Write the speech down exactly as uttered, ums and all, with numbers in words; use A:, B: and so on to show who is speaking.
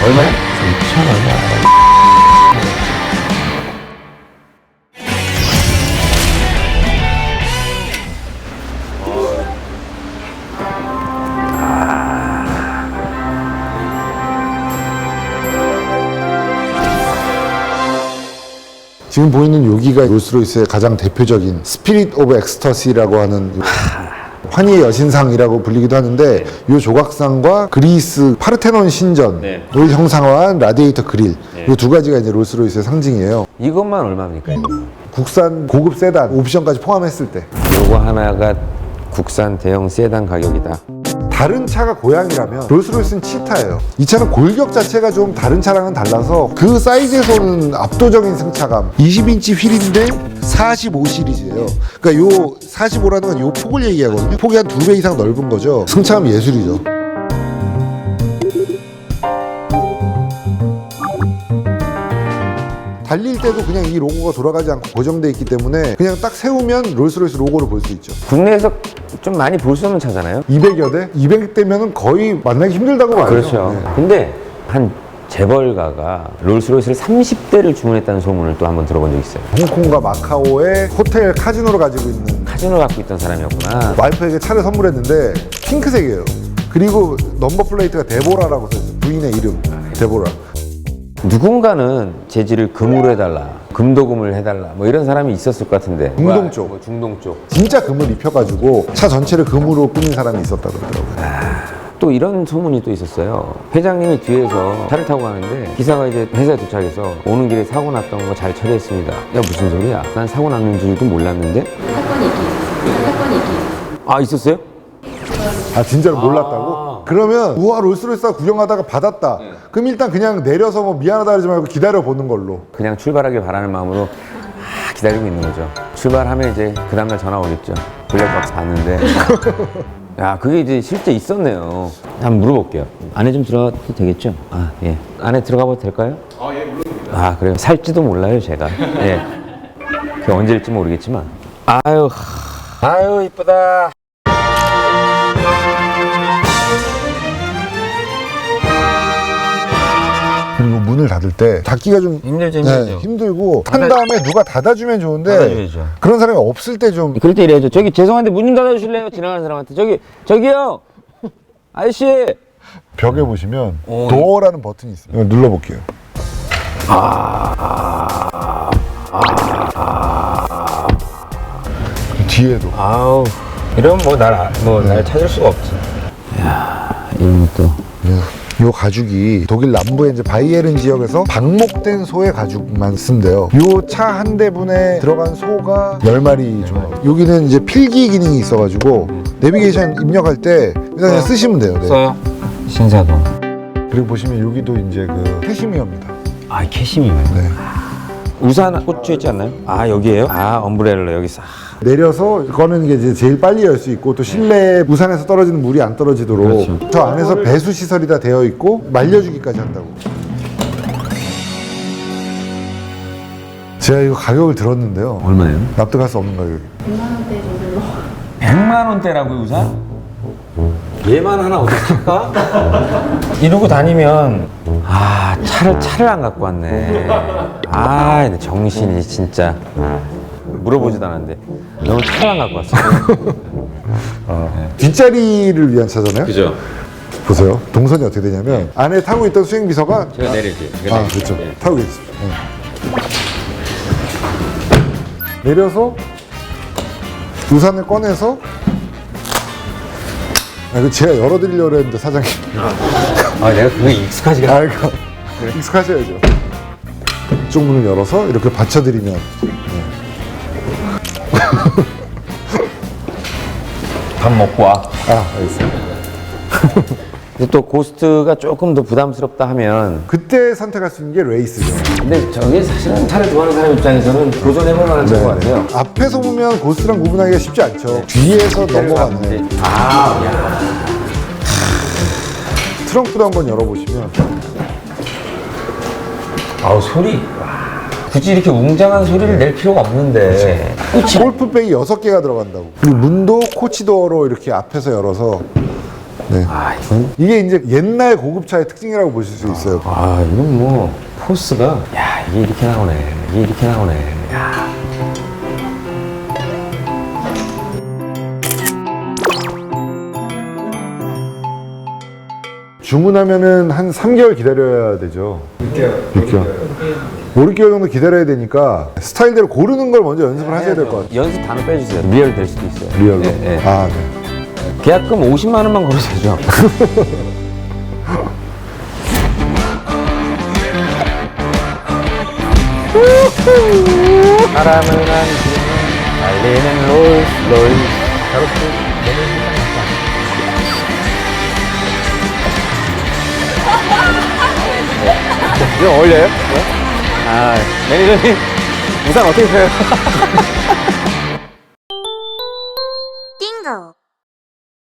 A: 얼마야? 이천 원.
B: 지금 보이는 여기가 롤스로이스의 가장 대표적인 스피릿 오브 엑스터시라고 하는 환희의 여신상이라고 불리기도 하는데, 이 조각상과 그리스 파르테논 신전을
A: 네.
B: 형상화한 라디에이터 그릴,
A: 네.
B: 이 두 가지가 이제 롤스로이스의 상징이에요.
A: 이것만 얼마입니까? 이거?
B: 국산 고급 세단 옵션까지 포함했을 때
A: 요거 하나가 국산 대형 세단 가격이다.
B: 다른 차가 고양이라면 롤스로이스는 치타예요. 이 차는 골격 자체가 좀 다른 차랑은 달라서 그 사이즈에서는 압도적인 승차감. 이십 인치 휠인데 사십오 시리즈예요. 그러니까 요 사십오라는 건 요 폭을 얘기하거든요. 폭이 한 두 배 이상 넓은 거죠. 승차감 예술이죠. 달릴 때도 그냥 이 로고가 돌아가지 않고 고정돼 있기 때문에 그냥 딱 세우면 롤스로이스 로고를 볼 수 있죠.
A: 국내에서 좀 많이 볼 수 없는 차잖아요.
B: 이백여 대? 이백 대면은 거의 만나기 힘들다고 봐요.
A: 그렇죠.
B: 네.
A: 근데 한 재벌가가 롤스로이스를 삼십 대를 주문했다는 소문을 또 한번 들어본 적이 있어요.
B: 홍콩과 마카오에 호텔 카지노를 가지고 있는
A: 카지노 갖고 있던 사람이었구나.
B: 와이프에게 차를 선물했는데 핑크색이에요. 그리고 넘버 플레이트가 데보라라고 써있어요. 부인의 이름 데보라.
A: 누군가는 재질을 금으로 해달라, 금도금을 해달라, 뭐 이런 사람이 있었을 것 같은데.
B: 중동 쪽.
A: 뭐 중동 쪽.
B: 진짜 금을 입혀가지고 차 전체를 금으로 꾸민 사람이 있었다 그러더라고요.
A: 또 이런 소문이 또 있었어요. 회장님이 뒤에서 차를 타고 가는데 기사가 이제 회사에 도착해서 오는 길에 사고 났던 거 잘 처리했습니다. 야, 무슨 소리야? 난 사고 났는 줄도 몰랐는데.
C: 사건이 있긴 있었어요. 사건이 있긴 있었어요.
A: 아, 있었어요?
B: 아 진짜로 몰랐다고? 그러면 우와 롤스로이스가 구경하다가 받았다. 그럼 일단 그냥 내려서 뭐 미안하다 하지 말고 기다려 보는 걸로.
A: 그냥 출발하길 바라는 마음으로 아, 기다리고 있는 거죠. 출발하면 이제 그 다음날 전화 오겠죠. 블랙박스 봤는데. 야, 그게 이제 실제 있었네요. 한번 물어볼게요. 안에 좀 들어가도 되겠죠? 아, 예. 안에 들어가 봐도 될까요? 아, 예, 물론. 아, 그래요? 살지도 몰라요, 제가. 예. 그 언제일지 모르겠지만. 아유, 아유, 이쁘다.
B: 그리고 문을 닫을 때 닫기가 좀
A: 힘들죠,
B: 네,
A: 힘들죠.
B: 힘들고 탄
A: 닫아-
B: 다음에 누가 닫아주면 좋은데
A: 닫아줘야죠.
B: 그런 사람이 없을 때 좀
A: 그럴 때 이래야죠. 저기 죄송한데 문 좀 닫아주실래요? 지나가는 사람한테. 저기, 저기요! 아저씨!
B: 벽에 보시면
A: 어.
B: 도어라는 버튼이 있어요. 이거 눌러볼게요. 뒤에도
A: 아우, 이러면 뭐 날, 뭐 날 찾을 수가 없지. 이야, 이런 것도.
B: 요 가죽이 독일 남부의 이제 바이에른 지역에서 방목된 소의 가죽만 쓴대요. 요 차 한 대분에 들어간 소가 열 마리 정도. 여기는 이제 필기 기능이 있어가지고 내비게이션 입력할 때 일단 그냥 쓰시면 돼요. 네.
A: 써요? 신사동.
B: 그리고 보시면 여기도 이제 그 캐시미어입니다.
A: 아, 캐시미어요?
B: 네.
A: 우산 꽂혀 있지 않나요? 아, 여기에요? 아, 엄브레일러 여기 싹.
B: 내려서 꺼내는 게 이제 제일 빨리 열 수 있고 또 실내 우산에서 떨어지는 물이 안 떨어지도록
A: 그렇죠.
B: 저 안에서 배수 시설이 다 되어 있고 말려주기까지 한다고. 제가 이거 가격을 들었는데요.
A: 얼마예요?
B: 납득할 수 없는 가격이.
C: 백만 원대 정도로.
A: 백만 원대라고요, 우산? 얘만 하나 어디 살까? 이러고 다니면 아, 차를 차를 안 갖고 왔네. 아, 정신이 진짜. 물어보지도 않았는데 너무 차를 안 갖고 왔어.
B: 어. 뒷자리를 위한 차잖아요.
A: 그죠?
B: 보세요. 동선이 어떻게 되냐면 안에 타고 있던 수행비서가
A: 제가 내릴게요. 제가
B: 아
A: 내릴게요.
B: 그렇죠.
A: 예.
B: 타고 계십시오. 네. 내려서 우산을 꺼내서 아, 이거 제가 열어드리려고 했는데 사장님.
A: 아, 내가 그게 익숙하지가 않아.
B: 아, 이거 익숙하셔야죠. 이쪽 문을 열어서 이렇게 받쳐드리면. 네.
A: 밥 먹고 와.
B: 아, 알겠습니다.
A: 근데 또 고스트가 조금 더 부담스럽다 하면
B: 그때 선택할 수 있는 게 레이스죠.
A: 근데 저게 사실은 차를 좋아하는 사람 입장에서는 도전해볼 만한 차인 것 같아요.
B: 앞에서 보면 고스랑 구분하기가 쉽지 않죠. 뒤에서 넘어가는.
A: 아, 야.
B: 트렁크도 한번 열어보시면
A: 아우, 소리. 굳이 이렇게 웅장한 소리를 낼 필요가 없는데.
B: 골프백이 여섯 개가 들어간다고. 그리고 문도 코치도어로 이렇게 앞에서 열어서 네.
A: 아 이건
B: 이게 이제 옛날 고급차의 특징이라고 보실 수 있어요.
A: 아 이건 뭐 포스가 야 이게 이렇게 나오네. 이게 이렇게 나오네. 야.
B: 주문하면은 한 삼 개월 기다려야 되죠. 육 개월. 육 개월. 오, 육 개월 정도 기다려야 되니까 스타일대로 고르는 걸 먼저 연습을 하셔야 될 것 같아요.
A: 연습 단어 빼주세요. 리얼 될 수도 있어요.
B: 리얼로.
A: 네, 네.
B: 아, 네.
A: 계약금 오십만 원만 걸어도 되죠. 바람을 안기는 달리는 롤스로이스. 이거 어울려요? 네? 아, 매니저님 우산 어떻게 펴요?
D: 띵고.